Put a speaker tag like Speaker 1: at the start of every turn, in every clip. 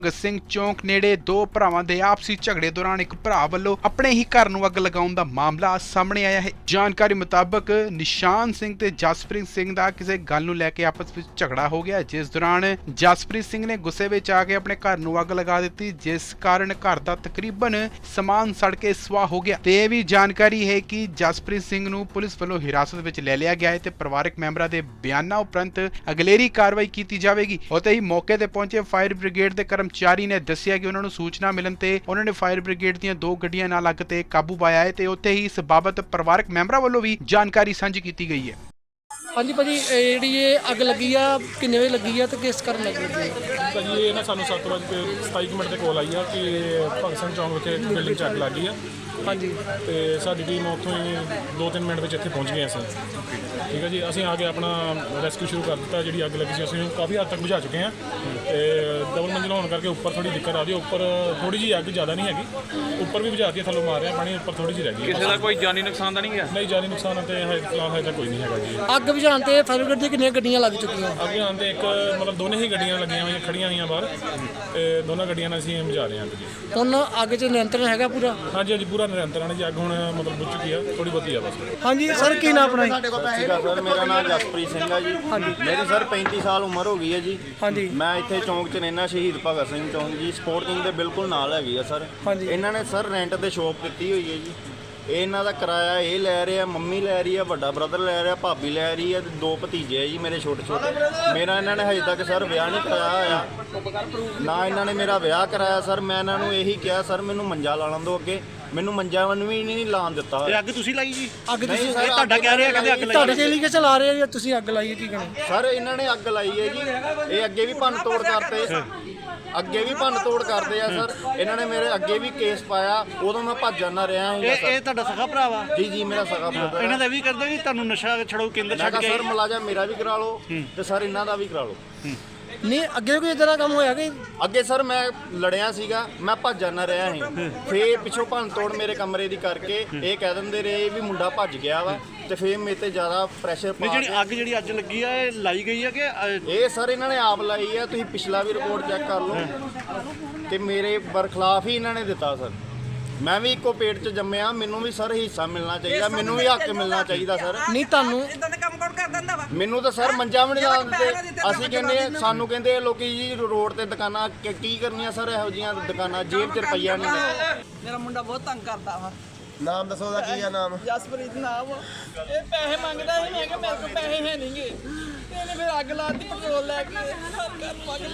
Speaker 1: ਭਗਤ ਸਿੰਘ ਚੌਂਕ ਨੇੜੇ ਦੋ ਭਰਾਵਾਂ ਦੇ ਆਪਸੀ ਝਗੜੇ ਦੌਰਾਨ ਇੱਕ ਭਰਾ ਵੱਲੋਂ ਆਪਣੇ ਹੀ ਘਰ ਨੂੰ ਅੱਗ ਲਗਾਉਣ ਦਾ ਮਾਮਲਾ ਸਾਹਮਣੇ ਆਇਆ ਹੈ। ਜਾਣਕਾਰੀ ਮੁਤਾਬਕ ਨਿਸ਼ਾਨ ਸਿੰਘ ਤੇ ਜਸਪ੍ਰੀਤ ਸਿੰਘ ਦਾ ਕਿਸੇ ਗੱਲ ਨੂੰ ਲੈ ਕੇ ਆਪਸ ਵਿੱਚ ਝਗੜਾ ਹੋ ਗਿਆ, ਜਿਸ ਦੌਰਾਨ ਜਸਪ੍ਰੀਤ ਸਿੰਘ ਨੇ ਗੁੱਸੇ ਵਿੱਚ ਆ ਕੇ ਆਪਣੇ ਘਰ ਨੂੰ ਅੱਗ ਲਗਾ ਦਿੱਤੀ, ਜਿਸ ਕਾਰਨ ਘਰ ਦਾ ਤਕਰੀਬਨ ਸਮਾਨ ਸੜ ਕੇ ਸਵਾਹ ਹੋ ਗਿਆ। ਤੇ ਇਹ ਵੀ ਜਾਣਕਾਰੀ ਹੈ ਕਿ ਜਸਪ੍ਰੀਤ ਸਿੰਘ ਨੂੰ ਪੁਲਿਸ ਵੱਲੋਂ ਹਿਰਾਸਤ ਵਿੱਚ ਲੈ ਲਿਆ ਗਿਆ ਹੈ ਤੇ ਪਰਿਵਾਰਕ ਮੈਂਬਰਾਂ ਦੇ ਬਿਆਨਾਂ ਉਪਰੰਤ ਅਗਲੇਰੀ ਕਾਰਵਾਈ ਕੀਤੀ ਜਾਵੇਗੀ। ਉੱਥੇ ਹੀ ਮੌਕੇ ਤੇ ਪਹੁੰਚੇ ਫਾਇਰ ਬ੍ਰਿਗੇਡ ਦੇ ਕਰਮਚਾਰੀ ਨੇ ਦੱਸਿਆ ਕਿ ਉਹਨਾਂ ਨੂੰ ਸੂਚਨਾ ਮਿਲਣ ਤੇ ਉਹਨਾਂ ਨੇ ਫਾਇਰ ਬ੍ਰਿਗੇਡ ਦੀਆਂ 2 ਗੱਡੀਆਂ ਨਾਲ ਅੱਗ ਤੇ ਕਾਬੂ ਪਾਇਆ ਹੈ ਤੇ ਉੱਥੇ ਹੀ ਇਸ ਬਾਬਤ ਪਰਿਵਾਰਕ ਮੈਂਬਰਾਂ ਵੱਲੋਂ ਵੀ ਜਾਣਕਾਰੀ ਸਾਂਝੀ ਕੀਤੀ ਗਈ ਹੈ।
Speaker 2: ਹਾਂਜੀ ਭਾਜੀ, ਜਿਹੜੀ ਇਹ ਅੱਗ ਲੱਗੀ ਆ ਕਿੰਨੇ ਵਜੇ ਲੱਗੀ ਆ ਤੇ ਕਿਸ ਕਾਰਨ ਲੱਗੀ ਹੈ?
Speaker 3: ਭਾਜੀ ਇਹ ਨਾ ਸਾਨੂੰ 7:27 ਤੇ ਕੋਲ ਆਈ ਆ ਕਿ ਭਗਤ ਸਿੰਘ ਚੌਂਕ ਵਿਖੇ ਬਿਲਡਿੰਗ 'ਚ ਅੱਗ ਲੱਗ ਗਈ ਆ।
Speaker 2: ਹਾਂਜੀ,
Speaker 3: ਤੇ ਸਾਡੀ ਟੀਮ ਉੱਥੋਂ ਹੀ 2-3 ਮਿੰਟ ਵਿੱਚ ਇੱਥੇ ਪਹੁੰਚ ਗਏ ਅਸੀਂ। ਠੀਕ ਹੈ ਜੀ, ਅਸੀਂ ਆ ਕੇ ਆਪਣਾ ਰੈਸਕਿਊ ਸ਼ੁਰੂ ਕਰ ਦਿੱਤਾ। ਜਿਹੜੀ ਅੱਗ ਲੱਗੀ ਸੀ ਅਸੀਂ ਕਾਫੀ ਹੱਦ ਤੱਕ ਬੁਝਾ ਚੁੱਕੇ ਹਾਂ ਤੇ ਡਬਲ ਮੰਜ਼ਿਲ ਹੋਣ ਕਰਕੇ ਉੱਪਰ ਥੋੜੀ ਦਿੱਕਤ ਆ ਰਹੀ ਹੈ। ਉੱਪਰ ਥੋੜੀ ਜਿਹੀ ਅੱਗ ਜ਼ਿਆਦਾ ਨਹੀਂ ਹੈਗੀ, ਉੱਪਰ ਵੀ ਬੁਝਾਤੀ ਹੈ, ਥੱਲੋਂ ਮਾਰ ਰਿਹਾ ਪਾਣੀ, ਉੱਪਰ ਥੋੜੀ ਜਿਹੀ ਰਹਿ ਗਈ।
Speaker 4: ਕਿਸੇ ਦਾ ਕੋਈ ਜਾਨੀ ਨੁਕਸਾਨ ਤਾਂ ਨਹੀਂ ਗਿਆ?
Speaker 3: ਨਹੀਂ, ਜਾਨੀ ਨੁਕਸਾਨ ਤੇ ਫਿਲਹਾਲ ਹਜੇ ਤੱਕ ਕੋਈ ਨਹੀਂ ਹੈਗਾ ਜੀ।
Speaker 2: ਅੱਗ ਬੁਝਾਉਣ ਤੇ ਫਾਇਰ ਬ੍ਰਿਗੇਡ ਦੀਆਂ ਕਿੰਨੀਆਂ ਗੱਡੀਆਂ ਲੱਗ ਚੁੱਕੀਆਂ?
Speaker 3: ਅੱਗੇ ਆਉਣ ਤੇ ਇੱਕ ਮਤਲਬ ਦੋਨੇ ਹੀ ਗੱਡੀਆਂ ਲੱਗੀਆਂ ਹੋਈਆਂ, ਖੜੀਆਂ ਹੋਈਆਂ ਬਾਹਰ, ਤੇ ਦੋਨਾਂ ਗੱਡੀਆਂ ਨਾਲ ਅਸੀਂ ਬੁਝਾ ਰਹੇ ਹਾਂ ਜੀ।
Speaker 2: ਹੁਣ ਅੱਗ 'ਚ ਨਿਯੰਤਰਣ ਹੈਗਾ ਪੂਰਾ?
Speaker 3: ਹਾਂਜੀ ਹਾਂਜੀ, ਪੂਰਾ ਨਿਰੰਤਰ ਜੀ। ਅੱਗ ਹੁਣ ਮਤਲਬ ਬੁਝ ਚੁੱਕੀ ਆ, ਥੋੜੀ ਬਹੁਤੀ ਆ ਬਸ।
Speaker 2: ਹਾਂਜੀ ਸਰ, ਕੀ ਨਾਮ ਆਪਣਾ?
Speaker 5: ਸਰ ਮੇਰਾ ਨਾਮ ਜਸਪ੍ਰੀਤ ਸਿੰਘ ਹੈ ਜੀ। ਮੇਰੀ ਸਰ 35 ਸਾਲ ਉਮਰ ਹੋ ਗਈ ਹੈ ਜੀ।
Speaker 2: ਹਾਂਜੀ,
Speaker 5: ਮੈਂ ਇੱਥੇ ਚੌਂਕ 'ਚ ਰਹਿਣਾ, ਸ਼ਹੀਦ ਭਗਤ ਸਿੰਘ ਚੌਂਕ ਜੀ, ਸਪੋਰਟਿੰਗ ਦੇ ਬਿਲਕੁਲ ਨਾਲ ਹੈਗੀ ਆ ਸਰ।
Speaker 2: ਹਾਂਜੀ,
Speaker 5: ਇਹਨਾਂ ਨੇ ਸਰ ਰੈਂਟ ਤੇ ਸ਼ੋਪ ਦਿੱਤੀ ਹੋਈ ਹੈ ਜੀ। ਇਹ ਇਹਨਾਂ ਦਾ ਕਿਰਾਇਆ ਇਹ ਲੈ ਰਹੇ ਆ, ਮੰਮੀ ਲੈ ਰਹੀ ਆ, ਵੱਡਾ ਬ੍ਰਦਰ ਲੈ ਰਿਹਾ, ਭਾਬੀ ਲੈ ਰਹੀ ਹੈ, ਤੇ 2 ਭਤੀਜੇ ਆ ਜੀ ਮੇਰੇ ਛੋਟੇ ਛੋਟੇ। ਮੇਰਾ ਇਹਨਾਂ ਨੇ ਹਜੇ ਤੱਕ ਸਰ ਵਿਆਹ ਨਹੀਂ ਕਰਾਇਆ ਹੋਇਆ, ਨਾ ਇਹਨਾਂ ਨੇ ਮੇਰਾ ਵਿਆਹ ਕਰਾਇਆ ਸਰ। ਮੈਂ ਇਹਨਾਂ ਨੂੰ ਇਹੀ ਕਿਹਾ ਸਰ ਮੈਨੂੰ ਮੰਜਾ ਲਾ ਲੈਣ ਦਿਓ, ਅੱਗੇ ਮੈਨੂੰ ਮੰਜਾ ਵਨ ਵੀ ਨਹੀਂ ਲਾਉਣ ਦਿੱਤਾ।
Speaker 4: ਇਹ ਅੱਗ ਤੁਸੀਂ ਲਾਈ ਜੀ?
Speaker 2: ਅੱਗ ਤੁਸੀਂ
Speaker 5: ਨਹੀਂ ਸਰ,
Speaker 4: ਤੁਹਾਡਾ ਕਹਿ ਰਿਹਾ ਕਹਿੰਦੇ ਅੱਗ ਲਾਈ।
Speaker 2: ਤੁਹਾਡੇ ਤੇ ਲਿਖੇ ਚਲਾ ਰਹੇ ਜਾਂ ਤੁਸੀਂ ਅੱਗ ਲਾਈ ਹੈ? ਕੀ ਕਹਿਣਾ
Speaker 5: ਸਰ ਇਹਨਾਂ ਨੇ ਅੱਗ ਲਾਈ ਹੈ ਜੀ। ਇਹ ਅੱਗੇ ਵੀ ਭੰਨ ਤੋੜ ਕਰਦੇ, ਅੱਗੇ ਵੀ ਭੰਨ ਤੋੜ ਕਰਦੇ ਆ ਸਰ। ਇਹਨਾਂ ਨੇ ਮੇਰੇ ਅੱਗੇ ਵੀ ਕੇਸ ਪਾਇਆ, ਉਦੋਂ ਮੈਂ ਭੱਜ ਜਾਂਦਾ ਰਿਹਾ ਹਾਂ
Speaker 4: ਇਹ ਤੁਹਾਡਾ ਸਖਾ ਭਰਾ ਵਾ?
Speaker 5: ਜੀ ਜੀ, ਮੇਰਾ ਸਗਾ ਬ੍ਰਦਰ।
Speaker 4: ਇਹਨਾਂ ਦਾ ਵੀ ਕਰਦੇ ਵੀ ਤੁਹਾਨੂੰ ਨਸ਼ਾ ਛਡਾਊ ਕੇਂਦਰ
Speaker 5: ਮੈਂ
Speaker 4: ਛੱਡ
Speaker 5: ਕਿਹਾ
Speaker 4: ਕੇ
Speaker 5: ਸਰ ਮੁਲਾਜ਼ਮ ਮੇਰਾ ਵੀ ਕਰਾ ਲਓ ਤੇ ਸਰ ਇਹਨਾਂ ਦਾ ਵੀ ਕਰਾ ਲਓ।
Speaker 2: ਨਹੀਂ, ਅੱਗੇ ਕੋਈ ਇਦਾਂ ਦਾ ਕੰਮ ਹੋਇਆ ਕਿ?
Speaker 5: ਅੱਗੇ ਸਰ ਮੈਂ ਲੜਿਆ ਸੀਗਾ, ਮੈਂ ਭੱਜ ਜਾਂਦਾ ਰਿਹਾ ਸੀ। ਫੇਰ ਪਿੱਛੋਂ ਭੰਨ ਤੋੜ ਮੇਰੇ ਕਮਰੇ ਦੀ ਕਰਕੇ ਇਹ ਕਹਿ ਦਿੰਦੇ ਰਹੇ ਵੀ ਮੁੰਡਾ ਭੱਜ ਗਿਆ ਵਾ, ਤੇ ਫੇਰ ਮੇਰੇ ਤੇ ਜ਼ਿਆਦਾ ਪ੍ਰੈਸ਼ਰ ਪਾ
Speaker 4: ਜਿਹੜੀ
Speaker 5: ਕੇ
Speaker 4: ਅੱਗ ਜਿਹੜੀ ਅੱਜ ਲੱਗੀ ਆ ਇਹ ਲਾਈ ਗਈ ਆ ਕਿ
Speaker 5: ਇਹ ਸਰ ਇਹਨਾਂ ਨੇ ਆਪ ਲਾਈ ਆ। ਤੁਸੀਂ ਪਿਛਲਾ ਵੀ ਰਿਪੋਰਟ ਚੈੱਕ ਕਰ ਲਓ, ਤੇ ਮੇਰੇ ਬਰਖਲਾਫ ਹੀ ਇਹਨਾਂ ਨੇ ਦਿੱਤਾ ਸਰ। ਮੈਂ ਵੀ ਇੱਕੋ ਪੇਟ 'ਚ ਜੰਮਿਆ, ਮੈਨੂੰ ਵੀ ਸਰ ਹਿੱਸਾ ਮਿਲਣਾ ਚਾਹੀਦਾ, ਮੈਨੂੰ ਵੀ ਹੱਕ ਮਿਲਣਾ ਚਾਹੀਦਾ ਸਰ।
Speaker 2: ਨਹੀਂ, ਤੁਹਾਨੂੰ
Speaker 6: ਇਦਾਂ ਦੇ ਕੰਮ ਕੌਣ ਕਰ ਦਿੰਦਾ ਵਾ?
Speaker 5: ਮੈਨੂੰ ਤਾਂ ਸਰ ਮੰਜਾ ਵੀ ਨਹੀਂ ਲਾ ਦਿੰਦੇ। ਅਸੀਂ ਕਹਿੰਦੇ, ਸਾਨੂੰ ਕਹਿੰਦੇ ਲੋਕੀ ਜੀ ਰੋਡ ਤੇ ਦੁਕਾਨਾਂ ਕੀ ਕਰਨੀਆਂ ਸਰ, ਇਹੋ ਜਿਹੀਆਂ ਦੁਕਾਨਾਂ ਜੇਬ 'ਚ ਰੁਪਈਆ ਨਹੀਂ।
Speaker 6: ਮੇਰਾ ਮੁੰਡਾ ਬਹੁਤ ਤੰਗ ਕਰਦਾ ਵਾ।
Speaker 5: ਨਾਮ ਦੱਸੋ ਉਹਦਾ ਕੀ ਆ ਨਾਮ?
Speaker 6: ਜਸਪ੍ਰੀਤ ਨਾਮ ਵਾ। ਇਹ ਪੈਸੇ ਮੰਗਦਾ ਸੀ, ਮੈਂ ਕਿਹਾ ਮੇਰੇ ਕੋਲ ਪੈਸੇ ਹੈ ਨਹੀਂਗੇ। ਇਹਨੇ ਫਿਰ ਅੱਗ ਲਾਤੀ, ਪੈਟਰੋਲ ਲੈ ਕੇ ਘਰ ਨੂੰ ਅੱਗ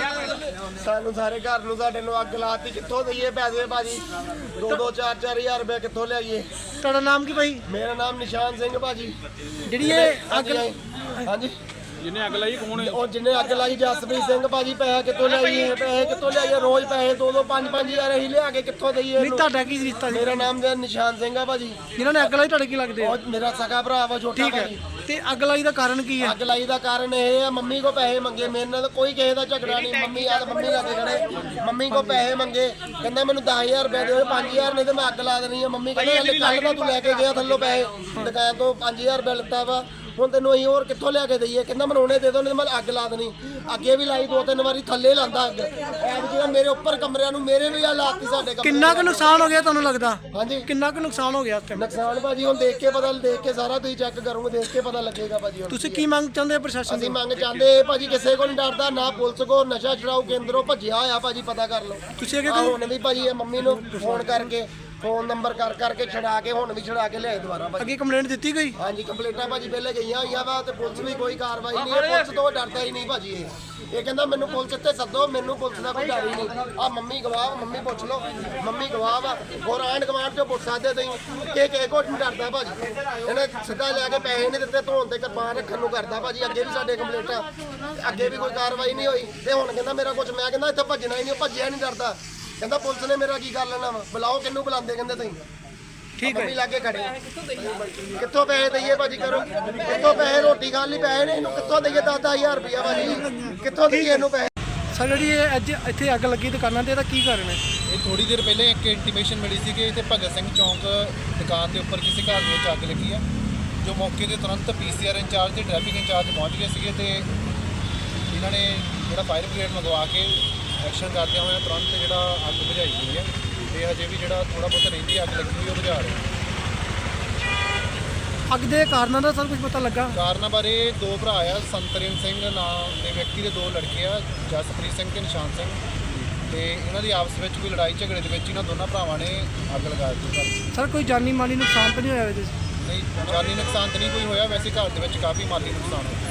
Speaker 6: ਲਾਤੀ।
Speaker 5: ਸਾਨੂੰ ਸਾਰੇ ਘਰ ਨੂੰ ਸਾਡੇ ਨੂੰ ਅੱਗ ਲਾਤੀ। ਕਿੱਥੋਂ ਦਈਏ ਪੈਸੇ ਭਾਜੀ? 2-2 4-4 ਹਜ਼ਾਰ ਰੁਪਏ ਕਿੱਥੋਂ ਲਿਆਈਏ?
Speaker 2: ਤੁਹਾਡਾ ਨਾਮ ਕੀ ਭਾਈ?
Speaker 5: ਮੇਰਾ ਨਾਮ ਨਿਸ਼ਾਨ ਸਿੰਘ ਭਾਜੀ।
Speaker 2: ਜਿਹੜੀ ਇਹ ਅੱਗ
Speaker 5: ਹਾਂਜੀ,
Speaker 3: ਜਿਹਨੇ ਅੱਗ ਲਾਈ ਕੌਣ ਹੈ?
Speaker 5: ਉਹ ਜਿਹਨੇ ਅੱਗ ਲਾਈ ਜਸਪ੍ਰੀਤ ਸਿੰਘ ਭਾਜੀ। ਪੈਸੇ ਕਿੱਥੋਂ ਲਿਆਈਏ? ਪੈਸੇ ਕਿੱਥੋਂ ਲਿਆਈਏ? ਰੋਜ਼ ਪੈਸੇ 2-2 5-5 ਹਜ਼ਾਰ ਅਸੀਂ ਲਿਆ ਕੇ ਕਿੱਥੋਂ ਦਈਏ?
Speaker 2: ਨਹੀਂ, ਤੁਹਾਡਾ ਕੀ ਰਿਸ਼ਤਾ ਜੀ?
Speaker 5: ਮੇਰਾ ਨਾਮ ਨਿਸ਼ਾਨ ਸਿੰਘ ਆ ਭਾਜੀ।
Speaker 2: ਜਿਨ੍ਹਾਂ ਨੇ ਅੱਗ ਲਾਈ ਤੁਹਾਡੇ ਕੀ ਲੱਗਦੇ ਆ?
Speaker 5: ਉਹ ਮੇਰਾ ਸਗਾ ਭਰਾ ਵਾ, ਛੋਟਾ
Speaker 2: ਠੀਕ ਹੈ,
Speaker 5: ਭਾਜੀ।
Speaker 2: ਤੇ ਅੱਗ ਲਾਈ ਦਾ ਕਾਰਨ ਕੀ ਹੈ?
Speaker 5: ਅੱਗ ਲਾਈ ਦਾ ਕਾਰਨ ਇਹ ਆ, ਮੰਮੀ ਕੋ ਪੈਸੇ ਮੰਗੇ। ਮੇਰੇ ਨਾਲ ਕੋਈ ਕਿਸੇ ਦਾ ਝਗੜਾ ਨਹੀਂ। ਮੰਮੀ ਆ, ਮੰਮੀ ਲਾਗੇ ਖੜੇ, ਮੰਮੀ ਕੋ ਪੈਸੇ ਮੰਗੇ। ਕਹਿੰਦਾ ਮੈਨੂੰ 10,000 ਰੁਪਏ ਦਿਓ, 5,000 ਨਹੀਂ ਤੇ ਮੈਂ ਅੱਗ ਲਾ ਦੇਣੀ ਆ। ਮੰਮੀ ਕਹਿੰਦਾ ਕੱਲ ਦਾ ਤੂੰ ਲੈ ਕੇ ਗਿਆ ਥੱਲੋਂ ਪੈਸੇ, ਦੁਕਾਨ ਤੋਂ 5,000 ਰੁਪਏ ਲਿੱਤਾ ਵਾ, ਹੁਣ ਤੈਨੂੰ ਅਸੀਂ ਹੋਰ ਕਿੱਥੋਂ ਲਿਆ ਕੇ ਦਈਏ? ਕਹਿੰਦਾ ਮੈਨੂੰ ਹੁਣੇ ਦੇ ਦੋ, ਨਹੀਂ ਮੈਂ ਅੱਗ ਲਾ ਦੇਣੀ। ਅੱਗੇ ਵੀ ਲਾਈ 2-3 ਵਾਰੀ, ਥੱਲੇ ਲਾਂਦਾ ਅੱਗ। ਜਿਹੜਾ ਮੇਰੇ ਉੱਪਰ ਕਮਰਿਆਂ ਨੂੰ ਮੇਰੇ ਵੀ ਆ ਲਾਤੀ ਸਾਡੇ ਕਮਰੇ।
Speaker 2: ਕਿੰਨਾ ਕੁ ਨੁਕਸਾਨ ਹੋ ਗਿਆ ਤੁਹਾਨੂੰ ਲੱਗਦਾ?
Speaker 5: ਹਾਂਜੀ,
Speaker 2: ਕਿੰਨਾ ਕੁ ਨੁਕਸਾਨ ਹੋ ਗਿਆ ਉਸ ਟਾਈਮ?
Speaker 5: ਨੁਕਸਾਨ ਭਾਜੀ ਹੁਣ ਦੇਖ ਕੇ ਪਤਾ, ਦੇਖ ਕੇ ਸਾਰਾ ਤੁਸੀਂ ਚੈੱਕ ਕਰੋਗੇ, ਦੇਖ ਕੇ ਪਤਾ ਲੱਗੇਗਾ ਭਾਜੀ। ਹੁਣ
Speaker 2: ਤੁਸੀਂ ਕੀ ਮੰਗ ਚਾਹੁੰਦੇ ਹੋ ਪ੍ਰਸ਼ਾਸਨ
Speaker 5: ਅਸੀਂ
Speaker 2: ਤੋਂ?
Speaker 5: ਮੰਗ ਚਾਹੁੰਦੇ ਭਾਜੀ, ਕਿਸੇ ਕੋਲ ਨਹੀਂ ਡਰਦਾ, ਨਾ ਪੁਲਿਸ ਕੋ, ਨਸ਼ਾ ਛੁਡਾਊ ਕੇਂਦਰੋਂ ਭੱਜਿਆ ਹੋਇਆ ਭਾਜੀ, ਪਤਾ ਕਰ ਲਓ।
Speaker 2: ਤੁਸੀਂ ਅੱਗੇ
Speaker 5: ਹੁਣ ਵੀ ਭਾਜੀ ਇਹ ਮੰਮੀ ਨੂੰ ਫੋਨ ਕਰਕੇ, ਫੋਨ ਨੰਬਰ ਕਰ ਕਰਕੇ ਛਡਾ ਕੇ, ਹੁਣ ਵੀ ਛਡਾ ਕੇ ਲਿਆਏ ਦੁਬਾਰਾ ਭਾਜੀ।
Speaker 2: ਅੱਗੇ ਕੰਪਲੇਂਟ ਦਿੱਤੀ ਗਈ?
Speaker 5: ਹਾਂਜੀ, ਕੰਪਲੇਂਟਾਂ ਭਾਜੀ ਪਹਿਲੇ ਗਈਆਂ ਹੋਈਆਂ ਵਾ, ਤੇ ਪੁਲਿਸ ਵੀ ਕੋਈ ਕਾਰਵਾਈ ਨਹੀਂ। ਇਹ ਪੁਲਿਸ ਤੋਂ ਡਰਦਾ ਹੀ ਨਹੀਂ ਭਾਜੀ। ਇਹ ਕਹਿੰਦਾ ਮੈਨੂੰ ਪੁਲਿਸ ਇੱਥੇ ਸੱਦੋ, ਮੈਨੂੰ ਪੁਲਿਸ ਦਾ ਕੋਈ ਡਰ ਹੀ ਨਹੀਂ। ਆ ਮੰਮੀ ਗਵਾਹ, ਮੰਮੀ ਪੁੱਛ ਲਓ, ਮੰਮੀ ਗਵਾਹ ਵਾ। ਹੋਰ ਆਂਢ ਗੁਆਂਢ ਚੋਂ ਪੁੱਛ ਸਕਦੇ ਤੁਸੀਂ। ਇਹ ਕਿਸੇ ਕੋਲ ਨਹੀਂ ਡਰਦਾ ਭਾਜੀ। ਇਹਨੇ ਸਿੱਧਾ ਲੈ ਕੇ ਪੈਸੇ ਨਹੀਂ ਦਿੱਤੇ, ਧੋਣ ਤੇ ਕਿਰਪਾਨ ਰੱਖਣ ਨੂੰ ਕਰਦਾ ਭਾਜੀ। ਅੱਗੇ ਵੀ ਸਾਡੇ ਕੰਪਲੇਂਟਾਂ, ਅੱਗੇ ਵੀ ਕੋਈ ਕਾਰਵਾਈ ਨਹੀਂ ਹੋਈ। ਤੇ ਹੁਣ ਕਹਿੰਦਾ ਮੇਰਾ ਕੁਝ, ਮੈਂ ਕਹਿੰਦਾ ਇੱਥੇ ਭੱਜਣਾ ਹੀ ਨਹੀਂ। ਭੱਜਿਆ ਨਹੀਂ ਡਰਦਾ, ਕਹਿੰਦਾ ਪੁਲਿਸ ਨੇ ਮੇਰਾ ਕੀ ਕਰ ਲੈਣਾ ਵਾ? ਬੁਲਾਓ, ਕਿਹਨੂੰ ਬੁਲਾਉਂਦੇ ਕਹਿੰਦੇ ਤੁਸੀਂ? ਠੀਕ ਹੈ, ਮੰਮੀ ਲਾਗੇ ਖੜੇ। ਕਿੱਥੋਂ ਪੈਸੇ ਦਈਏ ਭਾਜੀ? ਕਰੋ, ਕਿੱਥੋਂ ਪੈਸੇ? ਰੋਟੀ ਖਾਣ ਲਈ ਪੈਸੇ ਨੇ, ਇਹਨੂੰ ਕਿੱਥੋਂ ਦਈਏ? 10,000 ਰੁਪਇਆ ਭਾਜੀ, ਕਿੱਥੋਂ ਦਈਏ ਇਹਨੂੰ ਪੈਸੇ?
Speaker 2: ਸਰ, ਜਿਹੜੀ ਇਹ ਅੱਜ ਇੱਥੇ ਅੱਗ ਲੱਗੀ ਦੁਕਾਨਾਂ ਤੇ, ਇਹਦਾ ਕੀ ਕਾਰਨ ਹੈ?
Speaker 7: ਇਹ ਥੋੜੀ ਦੇਰ ਪਹਿਲੇ ਇੱਕ ਇੰਟੀਮੇਸ਼ਨ ਮਿਲੀ ਸੀ ਕਿ ਇੱਥੇ ਭਗਤ ਸਿੰਘ ਚੌਂਕ ਦੁਕਾਨ ਦੇ ਉੱਪਰ ਕਿਸੇ ਘਰ ਦੇ ਵਿੱਚ ਅੱਗ ਲੱਗੀ ਆ। ਜੋ ਮੌਕੇ ਤੇ ਤੁਰੰਤ PCR ਇੰਚਾਰਜ ਤੇ ਟ੍ਰੈਫਿਕ ਇੰਚਾਰਜ ਪਹੁੰਚ ਗਏ ਸੀਗੇ, ਤੇ ਇਹਨਾਂ ਨੇ ਜਿਹੜਾ ਫਾਇਰ ਬ੍ਰਿਗੇਡ ਮੰਗਵਾ ਕੇ ਐਕਸ਼ਨ ਕਰਦਿਆਂ ਹੋਇਆ ਤੁਰੰਤ ਜਿਹੜਾ ਅੱਗ ਬੁਝਾਈ ਗਈ ਹੈ ਤੇ ਹਜੇ ਵੀ ਜਿਹੜਾ ਥੋੜਾ ਬਹੁਤ ਰਹਿੰਦੀ ਅੱਗ ਲੱਗੀ ਹੋਈ ਉਹ ਬੁਝਾ ਰਹੇ ਹਾਂ।
Speaker 2: ਅੱਗ ਦੇ ਕਾਰਨਾਂ ਦਾ ਸਰ ਕੁਝ ਪਤਾ ਲੱਗਾ?
Speaker 7: ਕਾਰਨਾਂ ਬਾਰੇ ਦੋ ਭਰਾ ਆ, ਸੰਤਰਨ ਸਿੰਘ ਨਾਮ ਦੇ ਵਿਅਕਤੀ ਦੇ ਦੋ ਲੜਕੇ ਆ, ਜਸਪ੍ਰੀਤ ਸਿੰਘ ਤੇ ਨਿਸ਼ਾਨ ਸਿੰਘ, ਤੇ ਇਹਨਾਂ ਦੀ ਆਪਸ ਵਿੱਚ ਕੋਈ ਲੜਾਈ ਝਗੜੇ ਦੇ ਵਿੱਚ ਇਹਨਾਂ ਦੋਨਾਂ ਭਰਾਵਾਂ ਨੇ ਅੱਗ ਲਗਾ ਦਿੱਤੀ ਘਰ।
Speaker 2: ਸਰ ਕੋਈ ਜਾਨੀ ਮਾਲੀ ਨੁਕਸਾਨ ਤਾਂ ਨਹੀਂ ਹੋਇਆ ਇਹਦੇ 'ਚ?
Speaker 7: ਨਹੀਂ, ਜਾਨੀ ਨੁਕਸਾਨ ਤਾਂ ਨਹੀਂ ਕੋਈ ਹੋਇਆ, ਵੈਸੇ ਘਰ ਦੇ ਵਿੱਚ ਕਾਫੀ ਮਾਲੀ ਨੁਕਸਾਨ ਹੋਇਆ।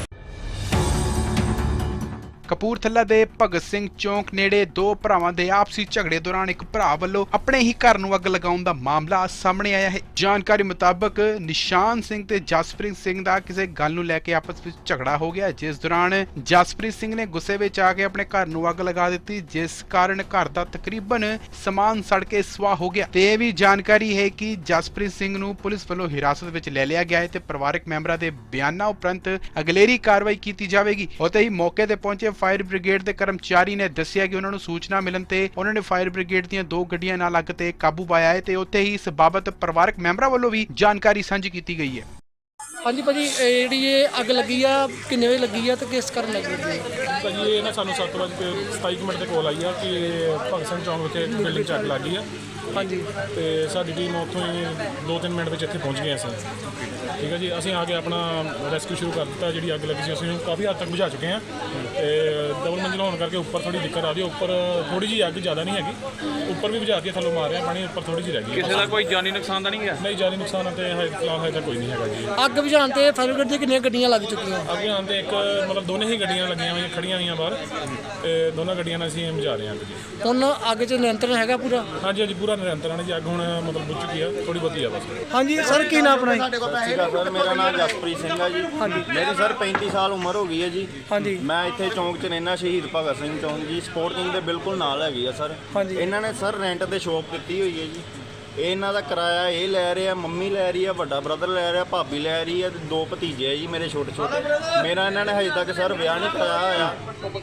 Speaker 1: ਕਪੂਰਥਲਾ ਦੇ ਭਗਤ ਸਿੰਘ ਚੌਂਕ ਨੇੜੇ ਦੋ ਭਰਾਵਾਂ ਦੇ ਆਪਸੀ ਝਗੜੇ ਦੌਰਾਨ ਇੱਕ ਭਰਾ ਵੱਲੋਂ ਆਪਣੇ ਹੀ ਘਰ ਨੂੰ ਅੱਗ ਲਗਾਉਣ ਦਾ ਮਾਮਲਾ ਸਾਹਮਣੇ ਆਇਆ ਹੈ। ਜਾਣਕਾਰੀ ਮੁਤਾਬਕ ਨਿਸ਼ਾਨ ਸਿੰਘ ਤੇ ਜਸਪ੍ਰੀਤ ਸਿੰਘ ਦਾ ਕਿਸੇ ਗੱਲ ਨੂੰ ਲੈ ਕੇ ਆਪਸ ਵਿੱਚ ਝਗੜਾ ਹੋ ਗਿਆ, ਜਿਸ ਦੌਰਾਨ ਜਸਪ੍ਰੀਤ ਸਿੰਘ ਨੇ ਗੁੱਸੇ ਵਿੱਚ ਆ ਕੇ ਆਪਣੇ ਘਰ ਨੂੰ ਅੱਗ ਲਗਾ ਦਿੱਤੀ, ਜਿਸ ਕਾਰਨ ਘਰ ਦਾ ਤਕਰੀਬਨ ਸਮਾਨ ਸੜ ਕੇ ਸੁਆਹ ਹੋ ਗਿਆ। ਤੇ ਇਹ ਵੀ ਜਾਣਕਾਰੀ ਹੈ ਕਿ ਜਸਪ੍ਰੀਤ ਸਿੰਘ ਨੂੰ ਪੁਲਿਸ ਵੱਲੋਂ ਹਿਰਾਸਤ ਵਿੱਚ ਲੈ ਲਿਆ ਗਿਆ ਹੈ ਤੇ ਪਰਿਵਾਰਕ ਮੈਂਬਰਾਂ ਦੇ ਬਿਆਨਾਂ ਉਪਰੰਤ ਅਗਲੇਰੀ ਕਾਰਵਾਈ ਕੀਤੀ ਜਾਵੇਗੀ। ਉੱਥੇ ਹੀ ਮੌਕੇ ਤੇ ਪਹੁੰਚੇ ਫਾਇਰ ਬ੍ਰਿਗੇਡ ਦੇ ਕਰਮਚਾਰੀ ਨੇ ਦੱਸਿਆ ਕਿ ਉਹਨਾਂ ਨੂੰ ਸੂਚਨਾ ਮਿਲਣ ਤੇ ਉਹਨਾਂ ਨੇ ਫਾਇਰ ਬ੍ਰਿਗੇਡ ਦੀਆਂ 2 ਗੱਡੀਆਂ ਨਾਲ ਅੱਗ ਤੇ ਕਾਬੂ ਪਾਇਆ ਹੈ ਤੇ ਉੱਥੇ ਹੀ ਇਸ ਬਾਬਤ ਪਰਿਵਾਰਕ ਮੈਂਬਰਾਂ ਵੱਲੋਂ ਵੀ ਜਾਣਕਾਰੀ ਸਾਂਝੀ ਕੀਤੀ ਗਈ ਹੈ।
Speaker 2: ਹਾਂਜੀ ਭਾਜੀ, ਜਿਹੜੀ ਇਹ ਅੱਗ ਲੱਗੀ ਆ ਕਿੰਨੇ ਵਜੇ ਲੱਗੀ ਆ ਤੇ ਕਿਸ ਕਾਰਨ ਲੱਗੀ ਹੈ?
Speaker 3: ਭਾਜੀ ਇਹ ਨਾ ਸਾਨੂੰ 7:27 ਮਿੰਟ ਤੇ ਕੋਲ ਆਈ ਆ ਕਿ ਭਗਤ ਸਿੰਘ ਚੌਂਕ ਵਿਖੇ ਇੱਕ ਬਿਲਡਿੰਗ 'ਚ ਅੱਗ ਲੱਗ ਗਈ ਆ।
Speaker 2: ਹਾਂਜੀ,
Speaker 3: ਤੇ ਸਾਡੀ ਟੀਮ ਉੱਥੋਂ ਹੀ 2-3 ਮਿੰਟ ਵਿੱਚ ਇੱਥੇ ਪਹੁੰਚ ਗਏ ਅਸੀਂ। ਠੀਕ ਹੈ ਜੀ, ਅਸੀਂ ਆ ਕੇ ਆਪਣਾ ਰੈਸਕਿਊ ਸ਼ੁਰੂ ਕਰ ਦਿੱਤਾ। ਜਿਹੜੀ ਅੱਗ ਲੱਗੀ ਸੀ ਅਸੀਂ ਕਾਫੀ ਹੱਦ ਤੱਕ ਬੁਝਾ ਚੁੱਕੇ ਹਾਂ ਤੇ ਡਬਲ ਮੰਜ਼ਿਲ ਹੋਣ ਕਰਕੇ ਉੱਪਰ ਥੋੜੀ ਦਿੱਕਤ ਆ ਰਹੀ ਹੈ। ਉੱਪਰ ਥੋੜੀ ਜਿਹੀ ਅੱਗ ਜ਼ਿਆਦਾ ਨਹੀਂ ਹੈਗੀ, ਉੱਪਰ ਵੀ ਬੁਝਾਤੀ ਹੈ, ਥੱਲੋਂ ਮਾਰ ਰਿਹਾ ਪਾਣੀ, ਉੱਪਰ ਥੋੜੀ ਜਿਹੀ ਰਹਿ ਗਈ।
Speaker 8: ਕਿਸੇ ਦਾ ਕੋਈ ਜਾਨੀ ਨੁਕਸਾਨ ਤਾਂ ਨਹੀਂ ਗਿਆ?
Speaker 3: ਨਹੀਂ, ਜਾਨੀ ਨੁਕਸਾਨ ਤੇ ਫਿਲਹਾਲ ਹਜੇ ਤੱਕ ਕੋਈ ਨਹੀਂ ਹੈਗਾ ਜੀ।
Speaker 2: ਅੱਗ ਬੁਝਾਉਣ ਤੇ ਫਾਇਰ ਬ੍ਰਿਗੇਡ ਦੀਆਂ ਕਿੰਨੀਆਂ ਗੱਡੀਆਂ ਲੱਗ ਚੁੱਕੀਆਂ?
Speaker 3: ਅੱਗੇ ਆਉਣ ਤੇ ਇੱਕ ਮਤਲਬ ਦੋਨੇ ਹੀ ਗੱਡੀਆਂ ਲੱਗੀਆਂ ਹੋਈਆਂ, ਖੜੀਆਂ ਹੋਈਆਂ ਬਾਹਰ, ਤੇ ਦੋਨਾਂ ਗੱਡੀਆਂ ਨਾਲ ਅਸੀਂ ਬੁਝਾ ਰਹੇ ਹਾਂ ਅੱਗ ਜੀ।
Speaker 2: ਹੁਣ ਅੱਗ 'ਚ ਨਿਯੰਤਰਣ ਹੈਗਾ ਪੂਰਾ?
Speaker 3: ਹਾਂਜੀ ਹਾਂਜੀ, ਪੂਰਾ ਨਿਰੰਤਰਨ ਹੈ ਜੀ। ਅੱਗ ਹੁਣ ਮਤਲਬ ਬੁਝ ਚੁੱਕੀ ਆ, ਥੋੜੀ ਬਹੁਤੀ ਆ ਬਸ।
Speaker 2: ਹਾਂਜੀ ਸਰ, ਕੀ ਨਾਮ ਆਪਣਾ?
Speaker 9: ਸਰ ਮੇਰਾ ਨਾਮ ਜਸਪ੍ਰੀਤ ਸਿੰਘ ਹੈ ਜੀ। ਮੇਰੀ ਸਰ 35 ਸਾਲ ਉਮਰ ਹੋ ਗਈ ਹੈ ਜੀ।
Speaker 2: ਹਾਂਜੀ,
Speaker 9: ਮੈਂ ਇੱਥੇ ਚੌਂਕ 'ਚ ਰਹਿਣਾ, ਸ਼ਹੀਦ ਭਗਤ ਸਿੰਘ ਚੌਂਕ ਜੀ, ਸਪੋਰਟ ਕਿੰਗ ਦੇ ਬਿਲਕੁਲ ਨਾਲ ਹੈਗੀ ਆ ਸਰ।
Speaker 2: ਹਾਂਜੀ, ਇਹਨਾਂ
Speaker 9: ਨੇ ਸਰ ਰੈਂਟ ਤੇ ਸ਼ੋਪ ਦਿੱਤੀ ਹੋਈ ਹੈ ਜੀ। ਇਹ ਇਹਨਾਂ ਦਾ ਕਿਰਾਇਆ ਇਹ ਲੈ ਰਿਹਾ, ਮੰਮੀ ਲੈ ਰਹੀ ਆ, ਵੱਡਾ ਬ੍ਰਦਰ ਲੈ ਰਿਹਾ, ਭਾਬੀ ਲੈ ਰਹੀ ਹੈ, 2 ਭਤੀਜੇ ਆ ਜੀ ਮੇਰੇ ਛੋਟੇ ਛੋਟੇ। ਮੇਰਾ ਇਹਨਾਂ ਨੇ ਹਜੇ ਤੱਕ ਸਰ ਵਿਆਹ ਨਹੀਂ ਕਰਾਇਆ ਹੋਇਆ,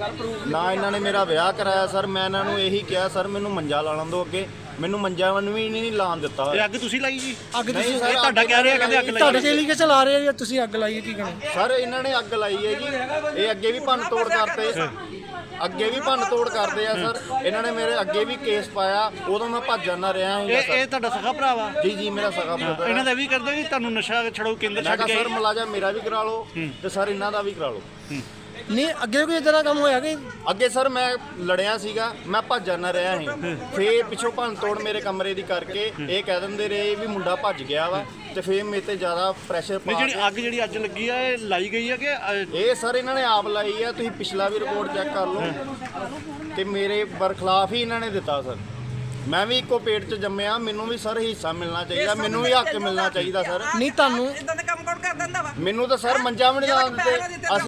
Speaker 9: ਨਾ ਇਹਨਾਂ ਨੇ ਮੇਰਾ ਵਿਆਹ ਕਰਾਇਆ ਸਰ। ਮੈਂ ਇਹਨਾਂ ਨੂੰ ਇਹੀ ਕਿਹਾ ਸਰ ਮੈਨੂੰ ਮੰਜਾ ਲਾ ਲੈਣ ਦਿਓ, ਅੱਗੇ ਮੈਨੂੰ ਮੰਜਾ ਵੀ ਨਹੀਂ ਲਾਉਣ ਦਿੱਤਾ।
Speaker 4: ਇਹ ਅੱਗ ਤੁਸੀਂ ਲਾਈ ਜੀ?
Speaker 2: ਅੱਗ ਤੁਸੀਂ
Speaker 4: ਇਹ ਤੁਹਾਡਾ ਕਹਿ ਰਿਹਾ ਕਹਿੰਦੇ ਅੱਗ ਲਾਈ।
Speaker 2: ਤੁਹਾਡੇ ਚੇਲੀ ਕੇ ਚਲਾ ਰਹੇ ਜਾਂ ਤੁਸੀਂ ਅੱਗ ਲਾਈ ਹੈ, ਕੀ ਕਹਿਣਾ?
Speaker 9: ਸਰ ਇਹਨਾਂ ਨੇ ਅੱਗ ਲਾਈ ਹੈ ਜੀ। ਇਹ ਅੱਗੇ ਵੀ ਭੰਨ ਤੋੜ ਕਰਦੇ, ਅੱਗੇ ਵੀ ਭੰਨ ਤੋੜ ਕਰਦੇ ਆ ਸਰ। ਇਹਨਾਂ ਨੇ ਮੇਰੇ ਅੱਗੇ ਵੀ ਕੇਸ ਪਾਇਆ, ਉਦੋਂ ਮੈਂ ਭੱਜ ਜਾਂਦਾ ਰਿਹਾ ਹਾਂ।
Speaker 4: ਇਹ ਤੁਹਾਡਾ ਸਖਾ ਭਰਾ ਵਾ?
Speaker 9: ਜੀ ਜੀ, ਮੇਰਾ ਸਗਾ ਬ੍ਰਦਰ।
Speaker 4: ਇਹਨਾਂ ਦਾ ਵੀ ਕਰਦੇ ਜੀ ਤੁਹਾਨੂੰ ਨਸ਼ਾ ਛੜਾਓ ਕੇਂਦਰ ਛੱਡ ਕੇ?
Speaker 9: ਸਰ ਮੁਲਾਜ਼ਮ ਮੇਰਾ ਵੀ ਕਰਾ ਲਓ ਤੇ ਸਰ ਇਹਨਾਂ ਦਾ ਵੀ ਕਰਾ ਲਓ।
Speaker 2: ਨਹੀਂ, ਅੱਗੇ ਕੋਈ ਇਦਾਂ ਦਾ ਕੰਮ ਹੋਇਆ ਕਿ?
Speaker 9: ਅੱਗੇ ਸਰ ਮੈਂ ਲੜਿਆ ਸੀਗਾ, ਮੈਂ ਭੱਜ ਜਾਂਦਾ ਰਿਹਾ ਸੀ। ਫੇਰ ਪਿੱਛੋਂ ਭੰਨ ਤੋੜ ਮੇਰੇ ਕਮਰੇ ਦੀ ਕਰਕੇ ਇਹ ਕਹਿ ਦਿੰਦੇ ਰਹੇ ਵੀ ਮੁੰਡਾ ਭੱਜ ਗਿਆ ਵਾ, ਤੇ ਫੇਰ ਮੇਰੇ ਤੇ ਜ਼ਿਆਦਾ ਪ੍ਰੈਸ਼ਰ ਪਾ
Speaker 4: ਜਿਹੜੀ ਅੱਗ ਜਿਹੜੀ ਅੱਜ ਲੱਗੀ ਆ ਇਹ ਲਾਈ ਗਈ ਆ ਕਿ
Speaker 9: ਇਹ ਸਰ ਇਹਨਾਂ ਨੇ ਆਪ ਲਾਈ ਆ। ਤੁਸੀਂ ਪਿਛਲਾ ਵੀ ਰਿਪੋਰਟ ਚੈੱਕ ਕਰ ਲਓ ਕਿ ਮੇਰੇ ਬਰਖਲਾਫ ਹੀ ਇਹਨਾਂ ਨੇ ਦਿੱਤਾ ਸਰ। ਮੈਂ ਵੀ ਇੱਕੋ ਪੇਟ 'ਚ ਜੰਮਿਆ, ਮੈਨੂੰ ਵੀ ਸਰ ਹਿੱਸਾ ਮਿਲਣਾ ਚਾਹੀਦਾ, ਮੈਨੂੰ ਵੀ ਹੱਕ ਮਿਲਣਾ ਚਾਹੀਦਾ ਸਰ।
Speaker 2: ਨਹੀਂ ਤੁਹਾਨੂੰ
Speaker 6: ਇਦਾਂ ਦੇ ਕੰਮ ਕੌਣ ਕਰ ਦਿੰਦਾ ਵਾ?
Speaker 9: ਮੈਨੂੰ ਤਾਂ ਸਰ ਮੰਜਾ ਵੀ ਨਹੀਂ ਲਾਉਣ ਦਿੱਤੇ।